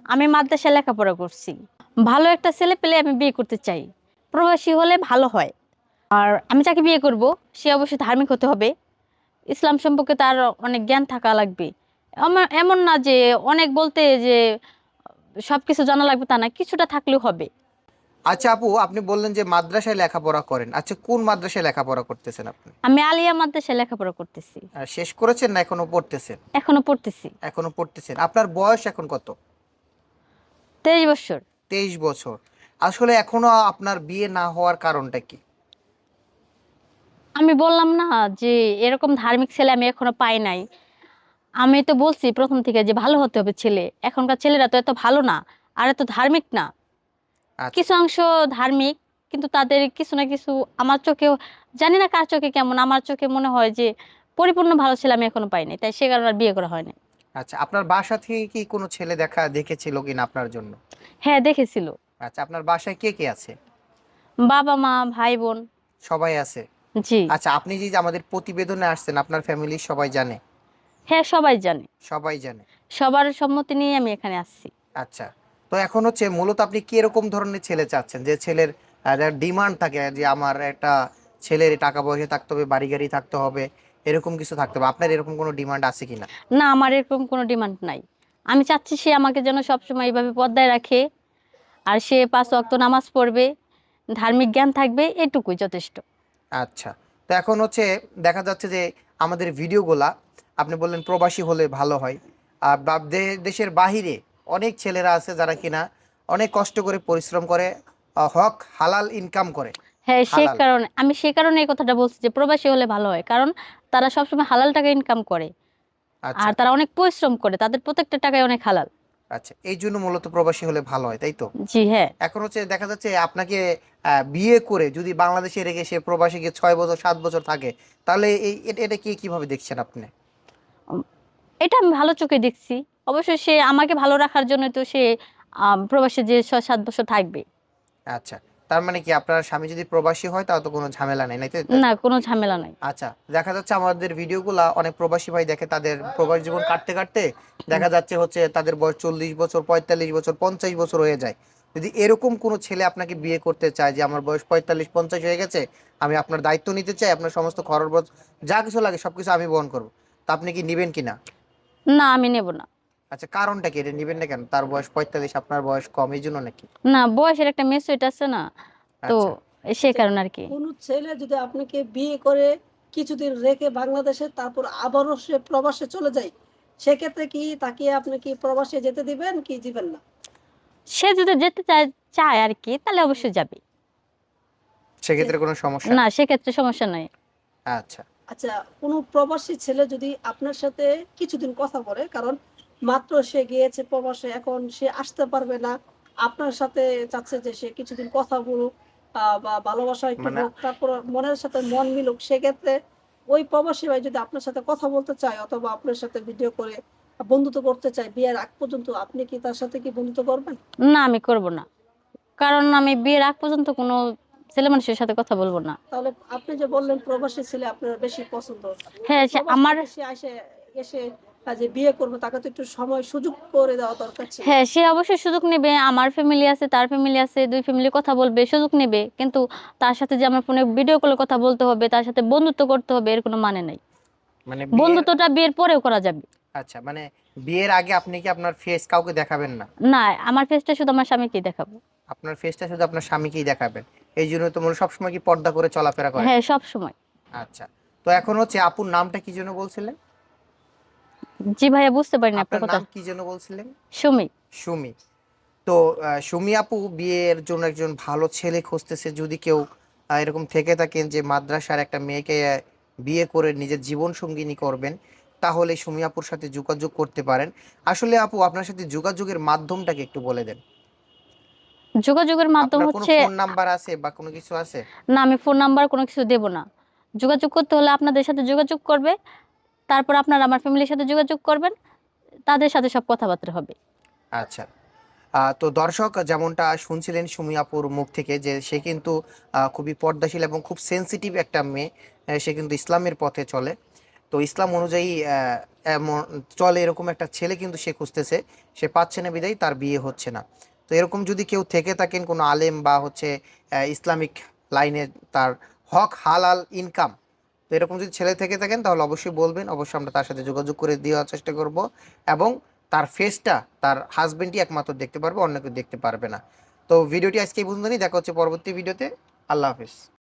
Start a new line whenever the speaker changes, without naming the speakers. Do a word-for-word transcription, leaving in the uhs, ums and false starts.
আমি মাদ্রাসায় লেখাপড়া করছি। ভালো একটা ছেলে পেলে আমি বিয়ে করতে চাই। প্রবাসী হলে ভালো হয়। আর আমি যাকে বিয়ে করব সে অবশ্যই ধার্মিক হতে হবে। ইসলাম সম্পর্কে তার অনেক জ্ঞান থাকা লাগবে। আমার এমন না যে অনেক বলতে যে সবকিছু জানা লাগবে তা না, কিছুটা থাকলেও হবে।
আচ্ছা আপু, আপনি বললেন যে মাদ্রাসায় লেখাপড়া করেন। আচ্ছা, কোন মাদ্রাসায় লেখাপড়া করতেছেন আপনি?
আমি আলিয়া মাদ্রাসায় লেখাপড়া করতেছি।
আহ, শেষ করেছেন না এখনো পড়তেছেন?
এখনো পড়তেছি।
এখনো পড়তেছেন। আপনার বয়স এখন কত?
তেইশ বছর।
তেইশ বছর। আসলে এখনো আপনার বিয়ে না হওয়ার কারণটা কি?
আমি বললাম না যে এরকম ধার্মিক ছেলে আমি এখনো পাই নাই। আমি তো বলছি প্রথম থেকে যে ভালো হতে হবে ছেলে। এখনকার ছেলেরা তো এত ভালো না, আর এত ধার্মিক না।
আচ্ছা।
কিছু অংশ ধার্মিক, কিন্তু তাদের কিছু না কিছু আমার চোখেও, জানি না কার চোখে কেমন, আমার চোখে মনে হয় যে পরিপূর্ণ ভালো ছেলে আমি এখনো পাইনি, তাই সে কারণে আর বিয়ে করা হয়নি।
আচ্ছা, আপনার বাসা থেকে কি কোনো ছেলে দেখা দেখেছিল কিনা আপনার জন্য?
হ্যাঁ, দেখেছিল।
আচ্ছা, আপনার বাসায় কে কে আছে?
বাবা মা ভাই বোন।
সবাই আছে।
জি।
আচ্ছা, আপনি যে যে আমাদের প্রতিবেদনে আসছেন, আপনার ফ্যামিলির সবাই জানে?
হ্যাঁ, সবাই জানে।
সবাই জানে।
সবার সম্মতি নিয়ে আমি এখানে আসছি।
আচ্ছা, তো এখন হচ্ছে মূলত আপনি কিরকম ধরনের ছেলে চাচ্ছেন, যে ছেলের ডিমান্ড থাকে যে আমার একটা ছেলের টাকা পয়সা থাকতে হবে, বাড়ি গাড়ি থাকতে হবে, এরকম কিছু থাকতে হবে? আপনার এরকম কোনো ডিমান্ড আছে কিনা?
না, আমার এরকম কোনো ডিমান্ড নাই। আমি চাচ্ছি সে আমাকে যেন সবসময় এইভাবে পর্দায় রাখে, আর সে পাঁচ ওয়াক্ত নামাজ পড়বে, ধার্মিক জ্ঞান থাকবে, এটুকুই যথেষ্ট।
আচ্ছা, তো এখন হচ্ছে দেখা যাচ্ছে যে আমাদের ভিডিওগুলা, আপনি বললেন প্রবাসী হলে ভালো হয়, আর বা দে- দেশের বাহিরে অনেক ছেলেরা আছে যারা কিনা অনেক কষ্ট করে পরিশ্রম করে, আহ, হক হালাল ইনকাম করে।
হ্যাঁ, সে
হালাল।
কারণে আমি সে কারণে এই কথাটা বলছি যে প্রবাসী হলে ভালো হয়, কারণ তারা সবসময় হালাল টাকা ইনকাম করে। আর
আচ্ছা।
তারা অনেক পরিশ্রম করে, তাদের প্রত্যেকটা টাকায় অনেক হালাল।
আচ্ছা, এই জন্য মূলত প্রবাসী হলে ভালো হয়, তাই তো?
জি হ্যাঁ।
এখন হচ্ছে দেখা যাচ্ছে আপনাকে আহ, বিয়ে করে যদি বাংলাদেশে রেখে সে প্রবাসী গিয়ে ছয় বছর সাত বছর থাকে, তাহলে এই এটা এটা কি কিভাবে দেখছেন আপনি?
উম, এটা আমি ভালো চোখে দেখছি। অবশ্যই সে আমাকে ভালো রাখার জন্য তো সে আম, প্রবাসে যে ছয় সাত বছর থাকবে।
আচ্ছা, তার মানে কি আপনার স্বামী যদি প্রবাসী হয় তাহলে তো কোনো ঝামেলা নেই, নাই তো?
না, কোনো ঝামেলা নাই।
আচ্ছা, দেখা যাচ্ছে আমাদের ভিডিওগুলা অনেক প্রবাসী ভাই দেখে, তাদের প্রবাস জীবন কাটতে কাটতে দেখা যাচ্ছে হচ্ছে তাদের বয়স চল্লিশ বছর, পঁয়তাল্লিশ বছর, পঞ্চাশ বছর হয়ে যায়। যদি এরকম কোনো ছেলে আপনাকে বিয়ে করতে চায় যে আমার বয়স পঁয়তাল্লিশ পঞ্চাশ হয়ে গেছে, আমি আপনার দায়িত্ব নিতে চাই, আপনার সমস্ত খরচ বরচ যা কিছু লাগে সবকিছু আমি বহন করবো, তা আপনি কি নিবেন কিনা?
না, আমি নেব না।
আচ্ছা, কারণটা কি? এটা নিবেন না কেন? তার বয়স পঁয়তাল্লিশ, আপনার বয়স কম, এই জন্য নাকি?
না, বয়সের একটা মেচুরিটি আছে না, তো
আচ্ছা।
সে
আচ্ছা,
কারণে আর কি।
কোন ছেলে যদি আপনাকে বিয়ে করে কিছুদিন রেখে বাংলাদেশে তারপর আবারও সে প্রবাসে চলে যায়, সেক্ষেত্রে কি তাকে আপনি কি প্রবাসে যেতে দিবেন কি দিবেন না?
সে যদি যেতে চায় চায় আর কি, তাহলে অবশ্যই যাবে।
যে
সেক্ষেত্রে কোনো সমস্যা
না,
নেই?
সেক্ষেত্রে সমস্যা নাই।
আচ্ছা।
আচ্ছা, কোনো প্রবাসী ছেলে যদি আপনার সাথে কিছুদিন কথা বলে, কারণ মাত্র সে গিয়েছে প্রবাসে, এখন সে আসতে পারবে না, আপনার সাথে চাচ্ছে যে সে কিছুদিন কথা বলুক, আহ, বা ভালোবাসা একটু
মানে
হোক, তারপর মনের সাথে মন মিলুক, সেক্ষেত্রে ওই প্রবাসী ভাই যদি আপনার সাথে কথা বলতে চায় অথবা আপনার সাথে ভিডিও করে বন্ধুত্ব করতে চায় বিয়ের আগ পর্যন্ত, আপনি কি তার সাথে কি বন্ধুত্ব করবেন?
না, আমি করব না। কারণ আমি বিয়ের আগ পর্যন্ত কোনো ছেলে মানুষের সাথে কথা বলবো না।
তাহলে আপনি যে বললেন প্রবাসী ছেলে আপনার বেশি পছন্দ, তো
হ্যাঁ, সে
প্রবাস
আমার।
থেকে সে আসে এসে আহ, যে বিয়ে করবে, তাকে তো একটু সময় সুযোগ করে দেওয়া দরকার ছিল।
হ্যাঁ, সে অবশ্যই সুযোগ নেবে। আমার ফ্যামিলি আছে, তার ফ্যামিলি আছে, দুই ফ্যামিলি কথা বলবে, সুযোগ নেবে। কিন্তু তার সাথে যে আমার ফোনে ভিডিও কলে কথা বলতে হবে, তার সাথে বন্ধুত্ব করতে হবে, এর কোনো মানে নাই।
মানে বিয়ের।
বন্ধুত্বটা বিয়ের পরেও করা যাবে।
আচ্ছা, মানে বিয়ের আগে আপনি কি আপনার ফেস কাউকে দেখাবেন না?
না, আমার ফেসটা শুধু আমার স্বামীকেই দেখাবো।
আপনার ফেসটা শুধু আপনার স্বামীকেই দেখাবেন? এই জন্য তো মনে হয় সবসময় কি পর্দা করে চলাফেরা করেন?
হ্যাঁ, সব সময়।
আচ্ছা, তো এখন হচ্ছে আপুর নামটা কি যেন বলছিলেন?
জি ভাইয়া, বুঝতে পারিনি আপনার
আপনার
কথা।
নাম কি যেন বলছিলেন?
সুমি।
সুমি। তো আহ, সুমি আপু বিয়ের জন্য একজন ভালো ছেলে খুঁজতেছে। যদি কেউ আহ, এরকম থেকে থাকেন যে মাদ্রাসার একটা মেয়েকে আহ, বিয়ে করে নিজের জীবন সঙ্গিনী করবেন, তাহলে সুমি আপুর সাথে যোগাযোগ করতে পারেন। আসলে আপু, আপনার সাথে যোগাযোগের মাধ্যমটাকে একটু বলে দেন।
যোগাযোগের মাধ্যম
আপনার কোনো
হচ্ছে।
ফোন নাম্বার আছে বা কোনো কিছু আছে?
না, আমি ফোন নাম্বার কোনো কিছু দেব না। যোগাযোগ করতে হলে আপনাদের সাথে যোগাযোগ করবে, তারপর আপনারা আমার ফ্যামিলির সাথে যোগাযোগ করবেন, তাদের সাথে সব কথাবার্তা হবে।
আচ্ছা। আহ, তো দর্শক যেমনটা শুনছিলেন সুমি আপুর মুখ থেকে, যে সে কিন্তু আহ, খুবই পর্দাশীল এবং খুব সেনসিটিভ একটা মেয়ে। আহ, সে কিন্তু ইসলামের পথে চলে। তো ইসলাম অনুযায়ী আহ, এমন চলে এরকম একটা ছেলে কিন্তু সে খুঁজতেছে, সে পাচ্ছে না বিধায় তার বিয়ে হচ্ছে না। তো এরকম যদি কেউ থেকে থাকেন, কোনো আলেম বা হচ্ছে আহ, ইসলামিক লাইনে তার হক হালাল ইনকাম, তো এরকম যদি ছেলে থেকে থাকেন তাহলে অবশ্যই বলবেন, অবশ্যই আমরা তার সাথে যোগাযোগ করে দেওয়ার চেষ্টা করব। এবং তার ফেসটা তার হাজবেন্ডই একমাত্র দেখতে পারবে, অন্য কেউ দেখতে পারবে না। তো ভিডিওটি আজকে এই পর্যন্তই, দেখা হচ্ছে পরবর্তী ভিডিওতে। আল্লাহ হাফিজ।